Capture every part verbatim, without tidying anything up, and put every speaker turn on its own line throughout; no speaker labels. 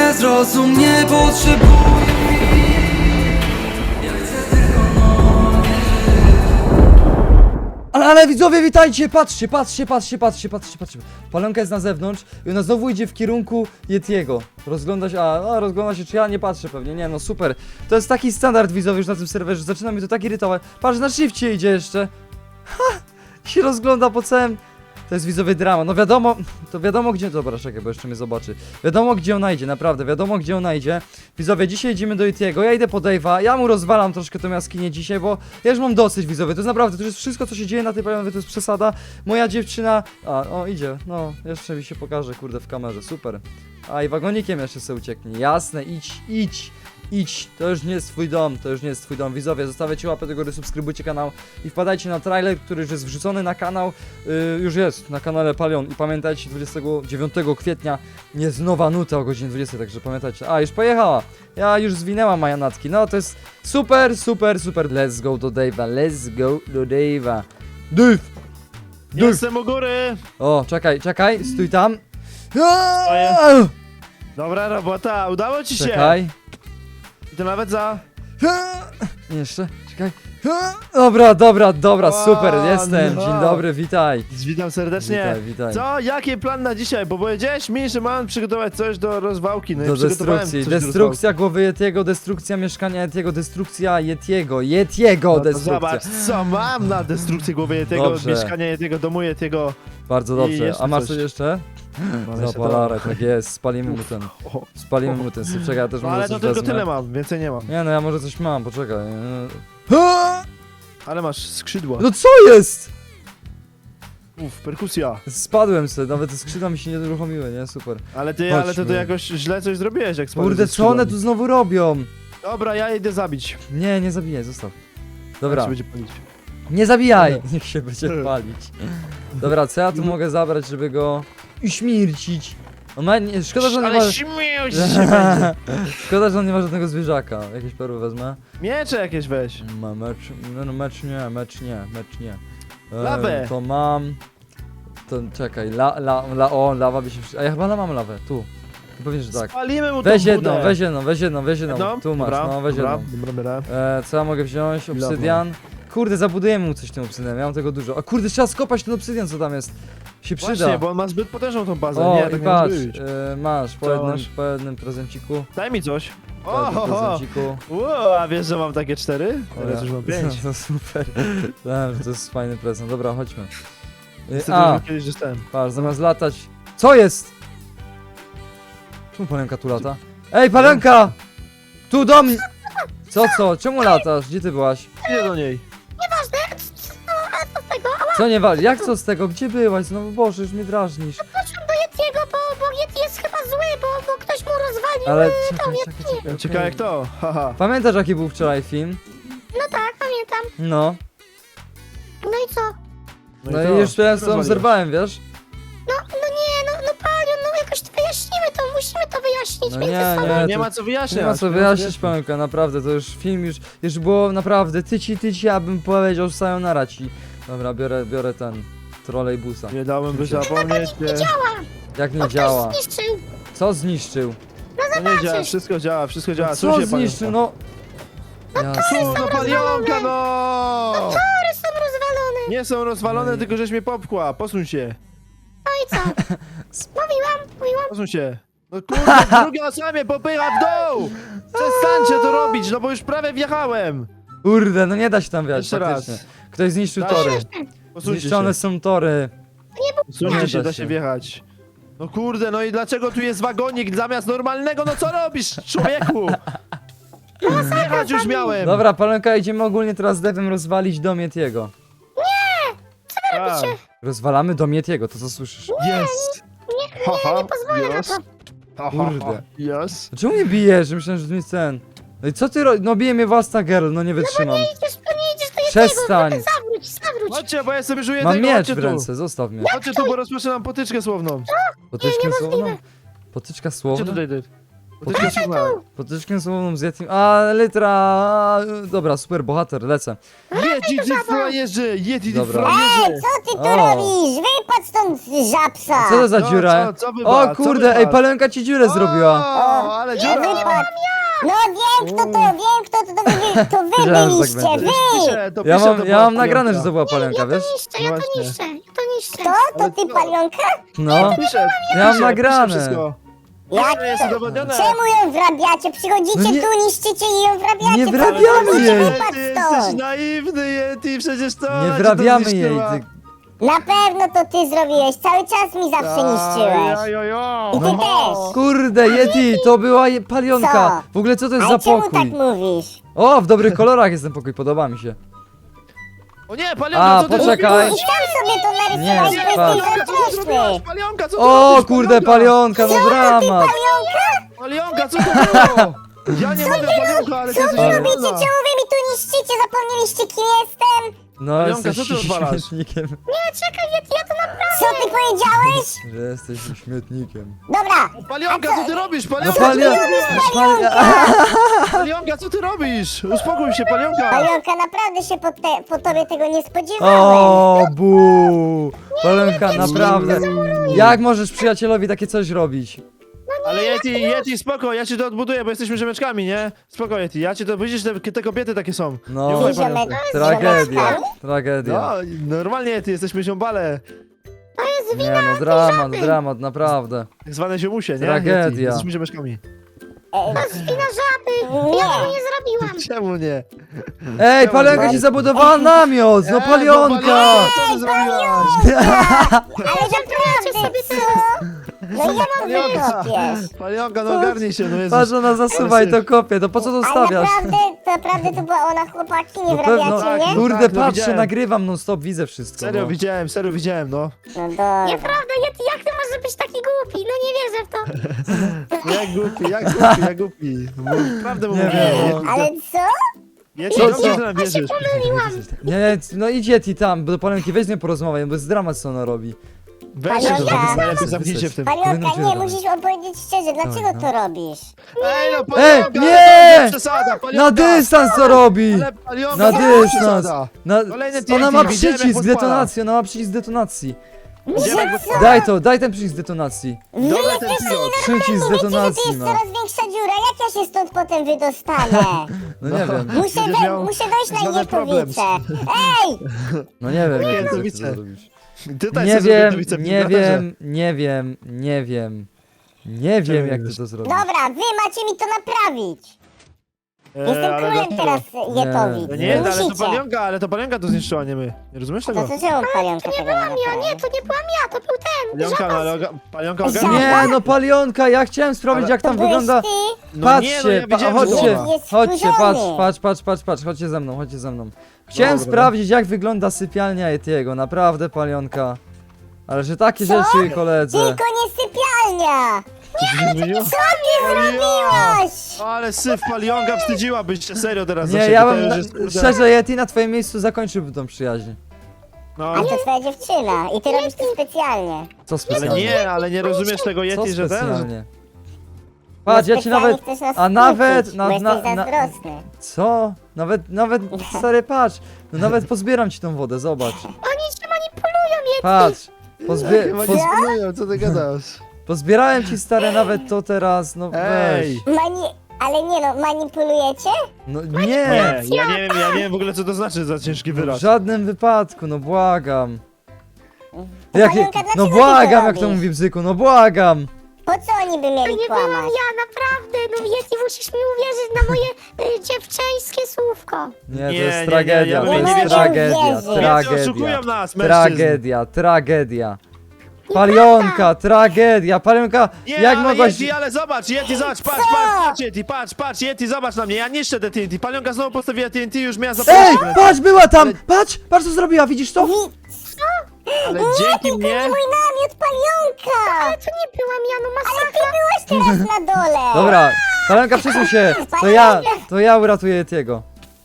zrozum nie potrzebuję.
Ale, ale widzowie, witajcie! Patrzcie, patrzcie, patrzcie, patrzcie, patrzcie, patrzcie. Palenka jest na zewnątrz i ona znowu idzie w kierunku Yetiego. Rozgląda się, a, a rozgląda się, czy ja nie patrzę pewnie. Nie, no super. To jest taki standard widzowie już na tym serwerze. Zaczyna mi to tak irytować. Patrz, na shifcie idzie jeszcze. Ha! Się rozgląda po całym... To jest widzowie drama. No wiadomo, to wiadomo gdzie... Dobra, czekaj, bo jeszcze mnie zobaczy. Wiadomo gdzie ona idzie, naprawdę, wiadomo gdzie ona idzie. Widzowie, dzisiaj idziemy do Yetiego, ja idę po Dave'a, ja mu rozwalam troszkę tą jaskinię dzisiaj, bo ja już mam dosyć widzowie. To jest naprawdę, to już jest wszystko co się dzieje na tej planecie, to jest przesada. Moja dziewczyna... A, o idzie, no, jeszcze mi się pokaże, kurde, w kamerze, super. A i wagonikiem jeszcze sobie ucieknie, jasne, idź, idź. Idź, to już nie jest twój dom, to już nie jest twój dom. Widzowie, zostawiacie łapę do góry, subskrybujcie kanał i wpadajcie na trailer, który już jest wrzucony na kanał. Yy, już jest na kanale Palion i pamiętajcie, dwudziestego dziewiątego kwietnia jest nowa nuta o godzinie dwudziestej, także pamiętajcie. A, już pojechała. Ja już zwinęłam majanatki. No to jest super, super, super. Let's go do Dave'a, let's go do Dave'a. Dave! Dave!
Jestem u góry!
O, czekaj, czekaj, stój tam.
Dobra robota, udało ci się!
Czekaj.
I to nawet za...
Jeszcze, czekaj. Dobra, dobra, dobra,
O,
super, jestem.
no.
Dzień dobry, witaj.
Witam serdecznie.
Witaj, witaj.
Co? Jaki plan na dzisiaj? Bo powiedziałeś mi, że mam przygotować coś do rozwałki. No
Do
i przygotowałem
destrukcji.
coś do
Destrukcja głowy Yetiego, destrukcja mieszkania Yetiego, destrukcja Yetiego, Yetiego,
rozwałki. No to
destrukcja.
zobacz, co mam na destrukcję głowy tego
Dobrze.
mieszkania tego domu tego.
Bardzo
I
dobrze.
jeszcze
A masz
coś.
coś jeszcze?
Mam jeszcze
Zapalarę,
to.
tak jest, spalimy mu ten.
O,
Spalimy mu ten. Czekaj, ja też
no
może
ale to
coś
tylko
wezmę.
tyle mam, więcej nie mam.
Nie no, ja może coś mam, poczekaj.
Ale masz skrzydła.
No co jest?
Uff, perkusja.
Spadłem sobie, nawet te skrzydła mi się nie uruchomiły, nie? Super.
Ale ty, ale to ty
Chodźmy.
jakoś źle coś zrobiłeś, jak spadłeś
Kurde,
ze
co one
skrzydłami.
tu znowu robią?
Dobra, ja idę zabić.
Nie, nie zabijaj, zostaw.
Jak
Dobra,
się będzie palić.
nie zabijaj! Niech się będzie palić. Dobra, co ja tu mogę zabrać, żeby go uśmiercić? On ma... Nie, szkoda, że on nie ma...
Ale śmiał się będzie.
Szkoda, że on nie ma żadnego zwierzaka. Jakieś perły wezmę.
Miecze jakieś weź.
Ma mecz... No, no mecz nie, mecz nie, mecz nie. E,
Lawę.
To mam... To czekaj, la, la, la, o, lawa by się... przy- A ja chyba la mam lawę, tu. Pewnie, że tak.
Spalimy mu
Weź
tą
jedną,
budę.
weź jedną, weź jedną, weź jedną.
Jedną?
Tu masz,
Dobra,
no weź
dobra,
jedną.
Dobra, dobra.
E, co ja mogę wziąć? Obsydian. Kurde, zabudujemy mu coś tym obsydianem, ja mam tego dużo. A kurde, trzeba skopać ten obsydian, co tam jest. Się przyda.
Właśnie, bo on ma zbyt potężną tą bazę.
O,
nie,
i
tak nie
patrz,
może być.
e, masz, po
Co
jednym,
masz?
po jednym prezenciku.
Daj mi coś.
Po
O,
jednym
ho, ho.
prezenciku.
Wow, a wiesz, że mam takie cztery?
O,
Teraz
ja-
już mam pięć.
To super. Wiem, że to jest fajny prezent. Dobra, chodźmy. E,
Niestety
A,
już kiedyś dostałem.
patrz, zamiast latać... Co jest? Czemu palenka tu lata? Ej, palenka! Tu do mnie! Co, co? Czemu latasz? Gdzie ty byłaś?
Idę do niej.
Co nie wali? Jak co z tego? Gdzie byłaś? Znowu, Boże, już mnie drażnisz.
Yetiego, bo, bo Yeti jest chyba zły, bo, bo ktoś mu rozwalił.
Ale czekaj, czekaj, czekaj.
Ciekawe
okej.
jak to. Haha.
Pamiętasz jaki był wczoraj film?
No tak, pamiętam.
No.
No i co?
No
to?
i już teraz
Rozwaliłeś.
obserwowałem, wiesz?
No, no nie, no, no Palion, no jakoś to wyjaśnimy to, musimy to wyjaśnić
No
między
nie,
sobą.
nie.
Nie
to-
ma co wyjaśniać.
Nie ma co wyjaśnić, Palenka, naprawdę, to już film już, już było naprawdę tyci, tyci, abym powiedział sayonara ci. Dobra, biorę, biorę ten trolejbusa.
Nie dałbym by zapomnieć. Nie,
Jak nie
Bo
działa?
ktoś zniszczył.
Co zniszczył?
no nie działa, wszystko działa, wszystko działa.
Co
Słuchaj,
zniszczył? No... Ja...
No palionka, no!
Tory są rozwalone.
Nie są rozwalone, tylko żeś mnie popchła. Posuń się.
No i co? Mówiłam, mówiłam.
Posuń się. No kurde, druga osoba mnie popycha w dół! Przestańcie to robić, no bo już prawie wjechałem.
Kurde, no nie da się tam wjechać,
Jeszcze
faktycznie.
raz.
Ktoś zniszczył
Da
tory.
się. Posuńcie
Zniszczone
się.
są tory.
Posuńcie
Nie
się,
da
da
się.
się wjechać. No kurde, no i dlaczego tu jest wagonik zamiast normalnego? No co robisz, człowieku? Wjechać już miałem.
Dobra, Palenka, idziemy ogólnie teraz z Devem rozwalić dom Yetiego.
A,
Rozwalamy dom Yetiego, to co słyszysz?
Jest.
Nie,
Haha,
nie pozwolę na
yes.
to.
Haha,
Kurde.
Yes.
Dlaczego mnie bijesz? Myślałem, że to jest ten. No i co ty robisz? No bije mnie własna girl, no nie wytrzymam.
Nie idziesz, to nie idziesz do Yetiego.
Przestań.
Zawróć, zawróć.
Chodźcie, bo ja sobie żuję
Mam
tego,
miecz
chodźcie
w
tu.
ręce, zostaw mnie.
Chodźcie tu, bo rozpoczynam potyczkę słowną.
Potyczkę słowną? Potyczka
Chodźcie
słowna?
tutaj, ty. Potyczkę słowną.
Potyczkę słowną z Yetim. A, litra. Dobra, super bohater, lecę.
Yeti, ty frajerzy! Yeti, ty
Dobra.
frajerzy!
Ej, co ty tu
O.
robisz? Wypadź stąd, żabsa!
Co to za
Co,
dziura?
co, co wypadł?
O
Co
kurde, ej,
wypadł?
Palenka ci dziurę zrobiła.
O, ale dziura!
Wypadł. No wiem kto to, wiem kto to, to wy, to wy
Wiedziałem, że tak
byliście,
będzie.
wy!
Pisze, to
Ja
pisze,
mam,
to
ja
była
mam nagrane,
Palenka.
że to była Palenka, wiesz?
Niszczę, ja to
Właśnie.
niszczę, ja to niszczę.
To? To ty palionka?
No.
Pisze,
Ja mam
pisze,
nagrane.
pisze wszystko.
Jak
To jest udowodnione.
Czemu ją wrabiacie? Przychodzicie
No nie-
tu, niszczycie i ją wrabiacie.
Nie
Co
wrabiamy
wy robicie?
jej.
Wypadź
Ty jesteś
stąd.
naiwny, Yeti, przecież to...
Nie
ona ci
wrabiamy
to
jej.
zniszczyła.
Ty...
Na pewno to ty zrobiłeś, cały czas mi zawsze niszczyłeś.
Ajojo.
I ty też.
Kurde, Yeti, to była je- palionka. W ogóle co to jest za
Ale czemu tak
pokój?
mówisz?
O, w dobrych kolorach jest ten pokój, podoba mi się.
O nie, palionka,
A,
co ty
poczekaj.
I
zrobiłaś?
sam sobie to
Nie,
narysowałeś, bo
patrz.
jesteś
Palionka, co ty zrobiłaś?
zazdrosny.
Palionka, co ty
O,
robisz?
kurde, palionka, no dramat.
Palionka?
Palionka, co to było? Ja nie mogę, palionka, ale ty
Co
jesteś
wy robicie?
niewolna.
Czemu wy mi tu niszczycie? Zapomnieliście kim jestem?
No,
Palionka,
jesteś
co ty odwalasz?
śmietnikiem.
Nie, czekaj, ja, ja to naprawdę...
Co ty powiedziałeś?
Że jesteś śmietnikiem.
Dobra,
Palionka, co ty robisz?
No
Palionka,
palio...
co ty robisz?
Pali...
Palionka, co ty robisz? Uspokój się, palionka.
Palionka, naprawdę się po, te, po tobie tego nie spodziewałem.
O, bu! Palionka, naprawdę. Jak możesz przyjacielowi takie coś robić?
Ale Yeti, Yeti, spoko, ja ci to odbuduję, bo jesteśmy rzemeczkami, nie? Spoko, Yeti, ja ci to, widzisz, te, te kobiety takie są.
No.
Nie ufaj
Ziomek-
palionce.
Tragedia, tragedia.
No, normalnie Yeti, jesteśmy ziombale.
Nie no, dramat, dramat, naprawdę.
Tak zwane ziomusie, nie?
Tragedia.
Yeti, jesteśmy rzemeczkami.
Wina żaby, ja tego nie zrobiłam.
Czemu nie?
Ej, Palionka ci zabudowała namiot! No
Ej,
Palionka!
co ty zrobiłaś?
Ale naprawdę,
sobie
co? No ja mam
Palionka,
wykopiesz.
palionka, no ogarnij się, no Jezus.
Patrz, ona zasuwa i to kopie, to po co to
Ale
stawiasz?
naprawdę, naprawdę to była ona, chłopaki, nie
No pewno,
wrabiacie mnie?
kurde,
Tak, no
patrzę,
widziałem.
nagrywam non stop, widzę wszystko.
Serio
no.
widziałem, serio widziałem, no.
No dobra.
Nieprawda, Yeti, jak ty możesz być taki głupi? No nie wierzę w to.
Jak głupi, jak głupi, jak głupi. No, prawdę mu
Nie
mówię.
wiem, no.
Yeti,
Ale co?
Yeti,
Co,
dobrze,
co?
że nam wierzysz.
Nie, nie, no idź Yeti tam, bo do Palionki weź z nią porozmawiaj, bo jest dramat co ona robi.
Weź się,
Palionka.
to najlepiej zamknijcie w tym.
Powinno
Palionka,
ci
nie,
robić.
musisz opowiedzieć szczerze, dlaczego
no.
to robisz?
Ej, no
Ej,
palionka,
nie!
ale to przesada, palionka.
Na dystans to robi!
Ale palionka,
Na
to
dystans!
przesada.
Na,
Kolejny
ona ma
T N T, widziałem, jak
przycisk
podpala.
detonacji, ona ma przycisk detonacji.
Idziemy, jak podpala.
Daj to, daj ten przycisk detonacji.
Wy
Dobra, ten
jesteście
pilot.
Przycisk
nienormalni, wiecie, że tu
detonacji
jest
ma.
coraz większa dziura, jak ja się stąd potem wydostanę?
No nie wiem,
Muszę,
Będziesz
we,
miał
muszę dojść na
żaden problem.
Jetowice. Ej!
no nie wiem, jak ty
Jetowice.
to zrobisz.
Tutaj
Nie
sobie zrobię
wiem,
to wice-
nie
braterze.
wiem, nie wiem, nie wiem. Nie wiem, jak ty to zrobisz.
Dobra, wy macie mi to naprawić.
Eee,
Jestem
ale
królem
dlaczego?
teraz Jetowic.
No
Nie,
nie,
Wy
ale to
musicie.
palionka, ale to palionka to zniszczyła, nie my. Nie rozumiesz
To
tego?
co czemu palionka
To nie
tego
byłam
nie
ja, nie,
naprawi?
to nie byłam ja, to był ten.
Palionka, no, ale oga- palionka ogarnia.
Nie, no Palionka, ja chciałem sprawdzić,
Ale-
jak tam
To byłeś
wygląda.
ty?
No
Patrzcie,
nie, no ja
pa,
widziałem, że
chodźcie,
była.
Jest
chodźcie, patrz,
wkurzony.
patrz, patrz, patrz, patrz, chodźcie ze mną, chodźcie ze mną. Chciałem
Dobra.
sprawdzić, jak wygląda sypialnia Yetiego, naprawdę, Palionka. Ale że takie
Co?
rzeczy, koledze.
Tylko nie sypialnia!
Zmieniło?
Co ty zrobiłaś?
Ale syf, palionka, wstydziłabyś się serio teraz za
Nie,
siebie,
ja
to
bym,
już jest, kurde.
szczerze, Yeti na twoim miejscu zakończyłbym tą przyjaźń.
No,
Ale to twoja dziewczyna i ty robisz to specjalnie.
Co
ale
specjalnie?
nie, ale nie rozumiesz tego
Co
Yeti, że ten... że-
specjalnie? Patrz,
Bo
ja ci
specjalnie
nawet...
chcesz nas
A nawet...
skłócić,
Na,
bo
na,
jesteś
na,
zazdrosny.
co? Nawet, nawet, stary, patrz. No nawet pozbieram ci tą wodę, zobacz.
Oni się manipulują, Yeti.
Patrz. Pozbie,
Chyba
poz,
nie spanują, co ty gadasz?
pozbierałem ci, stary, nawet to teraz, no weź.
Ej!
Mani... Ale nie no, manipulujecie?
No
Nie,
nie!
ja nie wiem, ja nie wiem w ogóle co to znaczy za ciężki
W
wyraz.
żadnym wypadku, no błagam.
To
Jakie,
Palionka,
no
dlaczego ty
błagam,
to
jak to
robisz?
mówi Bzyku, no błagam.
Po co oni by
To
mieli
nie byłam
kłamać?
ja, naprawdę. No Yeti, musisz mi uwierzyć na moje y, dziewczęskie słówko.
Nie, to
Nie, nie,
jest
nie,
tragedia,
ja
to
bym
jest
nie wierzył.
tragedia,
Wierzę.
Więcej
tragedia.
oszukują nas, mężczyzn.
Tragedia, tragedia. Palionka, tragedia, Palionka,
Nie,
jak
ale
mogłaś...
Yeti, ale zobacz, Yeti, zobacz, patrz, patrz, patrz, Yeti, patrz, patrz, Yeti, zobacz na mnie, ja niszczę te T N T, palionka znowu postawiła T N T, już miała
Ej,
zaprosić,
patrz, była tam! Patrz, patrz co zrobiła, widzisz to?
Wi...
ale dzięki mnie...
Nie mój namiot, Palionka!
Ale to nie byłam ja, no
Ale ty
masakra.
byłaś teraz na dole!
Dobra, Palionka, przesuń się, to ja, to ja uratuję Yetiego.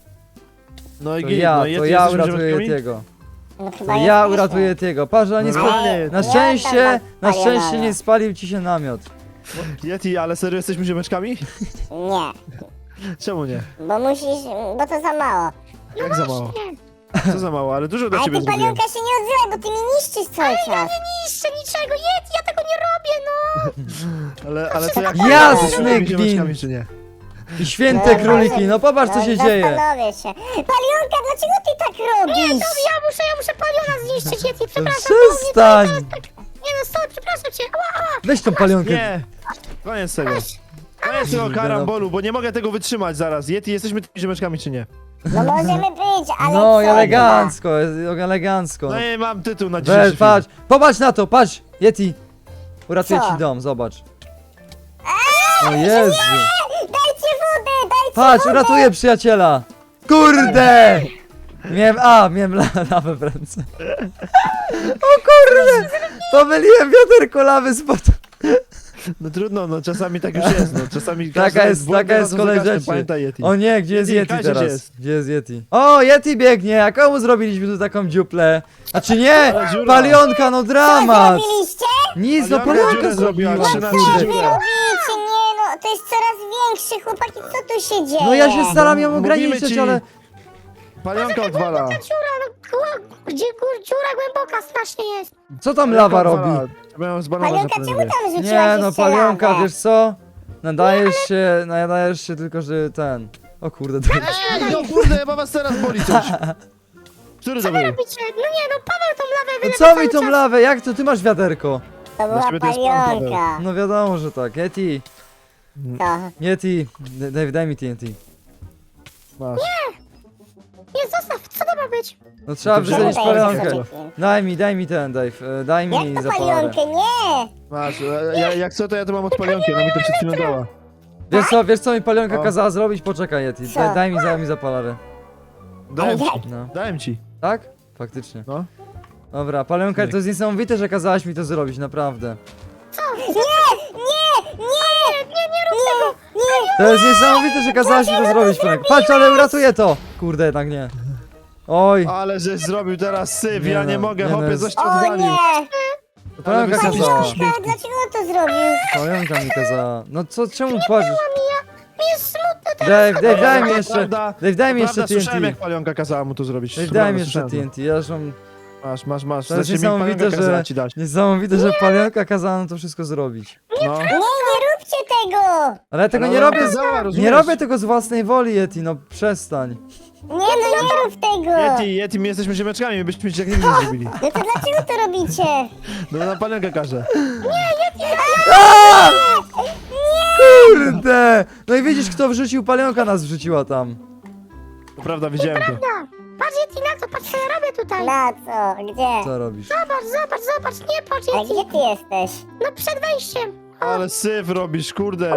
No
To
i git,
ja,
no
to
Yeti,
ja
jesteśmy
uratuję
ziomeczkami?
Yetiego.
No
To
chyba
ja
jesteśmy.
uratuję Yetiego. Patrz, ale nie spa...
Normalnie.
Na
Nie
szczęście,
oddam
na
was
szczęście
palionowi.
nie spalił ci się namiot.
Yeti, ale serio jesteśmy ziomeczkami?
Nie,
Czemu nie?
bo musisz, bo to za mało.
Jak za mało? Co za mało, ale dużo dla
Ale
ciebie
ty,
zrobiłem.
Palionka, się nie odzywaj, bo ty mi niszczysz cały czas.
Niszczę niczego, Yeti, ja tego nie robię, no!
Ale, ale to jak...
Jasny
jesteśmy
gwint.
ziomeczkami, czy nie?
I święte króliki, no popatrz co się
No,
dzieje.
Zastanowię się. Palionka, dlaczego ty tak robisz?
No ja muszę, ja muszę paliona zniszczyć, Yeti, przepraszam.
Przestań!
Nie no, stop, przepraszam cię, ała, ała.
Weź tą palionkę.
Nie! Koniec tego. Koniec tego karambolu, bo nie mogę tego wytrzymać zaraz. Yeti, jesteśmy tymi ziomeczkami, czy nie?
No możemy być, ale
No
co?
elegancko, elegancko.
No i mam tytuł na
Weź,
dzisiejszy
patrz, popatrz na to, patrz, Yeti. Uratuję
Co?
ci dom, zobacz. O Jezu.
Dajcie wodę, dajcie
Patrz,
wodę!
uratuję przyjaciela. Kurde! Miałem, a, miałem la- lawę w ręce. O kurde! Pomyliłem wiaderko lawy spod...
No trudno, no czasami tak już jest, no czasami
Taka
każdy
jest,
błąd
taka jest
razem
kolej
za każdym,
rzeczy.
Pamiętaj, Yeti.
O nie, gdzie jest
Yeti,
Yeti
Kazie, gdzie
teraz?
jest?
Gdzie jest Yeti? O, Yeti biegnie, a komu zrobiliśmy tu taką dziuplę? A czy nie?
Ale dziura.
Palionka, no
Co
dramat!
zrobiliście?
Nic, no
Palionka
palionka
dziurę zrobiła,
zrobiła.
trzy na
kurde.
trzy
Wy
dziurę.
robicie, nie no, to jest coraz większy, chłopaki, co tu się dzieje?
No ja się staram ją
Mówimy
ograniczyć,
ci.
ale...
Palionka odwala.
Ta dziura, no, gło- gdzie gór, dziura głęboka strasznie jest.
Co tam lawa robi?
Trzeba ją zbanować
Palionka,
na
czemu
pewno.
tam rzuciłaś
Nie no,
jeszcze
palionka,
lawę?
wiesz co? Nadajesz się, nadajesz się tylko, że ten... O kurde, to...
Ej, no kurde, chyba was teraz boli coś. Który to był?
Robicie, no nie no, Paweł tą lawę
No
wylewa
co
cały
mi tą
czas.
lawę? Jak to? Ty masz wiaderko.
To była
ciebie to jest pan Paweł.
palionka.
No wiadomo, że tak. Yeti,
Co?
Yeti, D- Dave, daj mi T N T.
Masz.
Nie, zostaw, co to ma być?
No trzeba
to
wysadzić
wziąłeś
palionkę.
palionkę.
Daj mi, daj mi ten, Dave. e, Daj mi
Jak to
zapalarę.
palionkę? Nie!
Masz. E, Ja, jak co, to ja to mam od palionki, ona mi to przed chwilą dała.
Wiesz co, wiesz co mi palionka
O.
kazała zrobić? Poczekaj, Yeti.
Co?
Daj, daj mi, daj mi zapalarę.
Dałem ci.
No.
Dałem ci.
Tak? Faktycznie.
No.
Dobra, palionka,
Nie.
to jest niesamowite, że kazałaś mi to zrobić, naprawdę.
Nie! Nie! Nie! Nie, nie rób tego! Nie!
To jest niesamowite, że kazałaś mi to zrobić, palionka. Patrz, ale uratuję to! Kurde, jednak nie. Oj,
Ale żeś zrobił teraz syf,
Nie
ja
no,
nie mogę,
nie no,
hopie,
jest-
coś ci
O
odwalił.
nie!
to palionka
Ale
kazała.
wysadzisz-
Palionka, dlaczego on to zrobił?
Palionka mi kazała. No co, czemu płaczesz?
Mi jest smutno teraz.
Dave, Dave, daj mi
To
jeszcze.
prawda-
Dave, daj mi
to
jeszcze
prawda, słyszałem,
T N
jak
T.
palionka kazała mu to zrobić.
Dave,
Prawda,
daj mi jeszcze
słyszałem to.
T N T. Ja już mam...
Masz, masz, masz.
To jest
Znaczy, mi palionka
niesamowite,
kazała
że...
ci dać.
Niesamowite, że palionka kazała nam to wszystko zrobić.
No.
Nie, nie róbcie tego!
Ale ja tego
Ale
nie
ona
robię z...
kazała,
Nie
rozumiesz?
robię tego z własnej woli, Yeti, no przestań.
Nie, no nie rób tego!
Yeti, Yeti, my jesteśmy ziemeczkami, my byśmy ci tak nigdy nie zrobili.
No to dlaczego to robicie?
No na palionkę każe.
Kurde! No i widzisz, kto wrzucił palionka, nas wrzuciła tam.
To prawda, widziałem to.
No, patrz Yeti na to, patrz co ja robię tutaj.
Na co? Gdzie?
Co robisz?
Zobacz, zobacz, zobacz, nie patrz
Ale
Yeti.
gdzie ty jesteś?
No przed wejściem.
Ale syf robisz, kurde.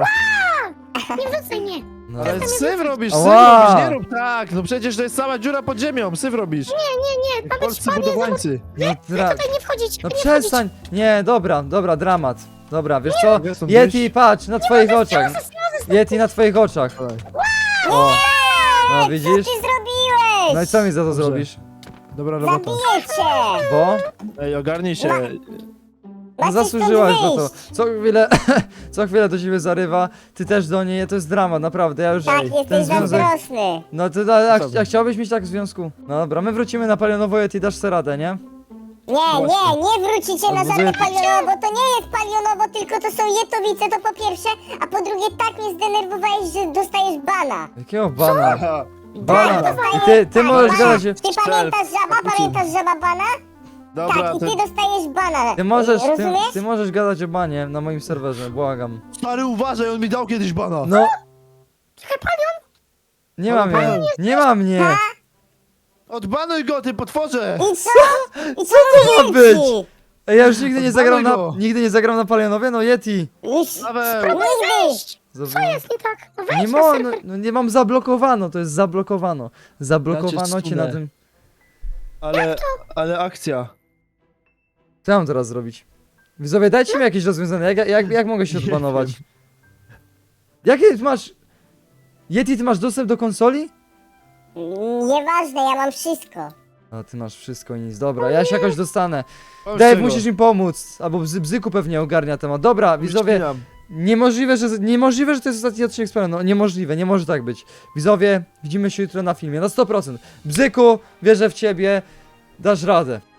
Nie wrzucaj mnie.
No,
Ale syf robisz, syf
Ała.
robisz, nie rób tak. No przecież to jest cała dziura pod ziemią, syf robisz.
Nie, nie, nie, ma być
Polscy
pan jest
budowlańcy.
no, dra...
tutaj nie wchodzić.
no
nie
przestań! Nie, dobra, dobra, dramat. Dobra, wiesz co?
Mogę stąd
Yeti,
wyjść?
patrz, na twoich oczach. Yeti, na twoich oczach.
Dawaj.
O, no
Co
widzisz?
ty zrobiłeś?
No i co mi za to
Dobrze.
zrobisz?
Dobra robota.
Zabiję cię!
Bo?
Ej, ogarnij się.
No
Macie
zasłużyłaś
stąd
na to.
wyjść.
Co chwilę, co chwilę do ciebie zarywa, ty też do niej, to jest dramat, naprawdę, ja już
Tak,
ten
jesteś
związek...
zazdrosny.
No ty, a, a,
Dobra.
a chciałbyś mieć tak w związku? No dobra, my wrócimy na palionowo, Yeti, dasz sobie radę, nie?
Nie, nie, nie wrócicie na żadne
Odbuduję-
palionowo, to nie jest palionowo, tylko to są jetowice, to po pierwsze, a po drugie tak mnie zdenerwowałeś, że dostajesz bana.
Jakiego bana?
Aha.
Bana!
dostajesz-
I ty, ty
tak,
możesz
bana.
gadać...
Ty pamiętasz żaba, pamiętasz żaba bana?
Dobra,
Tak, i
to...
ty dostajesz bana.
Ty możesz, ty,
Rozumiesz?
ty możesz gadać o banie na moim serwerze, błagam.
Stary, uważaj, on mi dał kiedyś bana.
No,
Czekaj, palion.
nie mam mnie, nie mam mnie!
Odbanuj go, ty potworze!
I co? I co
to ma być?
ci?
Ej, ja już nigdy nie zagram na,
go.
nigdy nie zagram na palionowie, no Yeti!
Już
Paweł!
nigdy.
Zobacz.
Co jest nie tak? No wejdź
Nie,
na
mo,
serwer.
no, no nie mam zablokowano, to jest zablokowano. Zablokowano
Znaczy,
cię na
cudne.
tym...
Ale, ale akcja.
Co ja mam teraz zrobić? Widzowie, dajcie mi jakieś rozwiązanie, jak, jak, jak mogę się
Nie
odbanować? Jakie ty masz... Yeti, ty masz dostęp do konsoli?
Nieważne, ja mam wszystko.
A ty masz wszystko i nic, dobra, ja się jakoś dostanę.
Pomóż
Dave,
czego?
musisz im pomóc, albo Bzy, Bzyku pewnie ogarnia temat. Dobra, widzowie,
Wycinam.
Niemożliwe, że, niemożliwe, że to jest ostatni odcinek z Palion. No niemożliwe, nie może tak być. Widzowie, widzimy się jutro na filmie, na sto procent. Bzyku, wierzę w ciebie, dasz radę.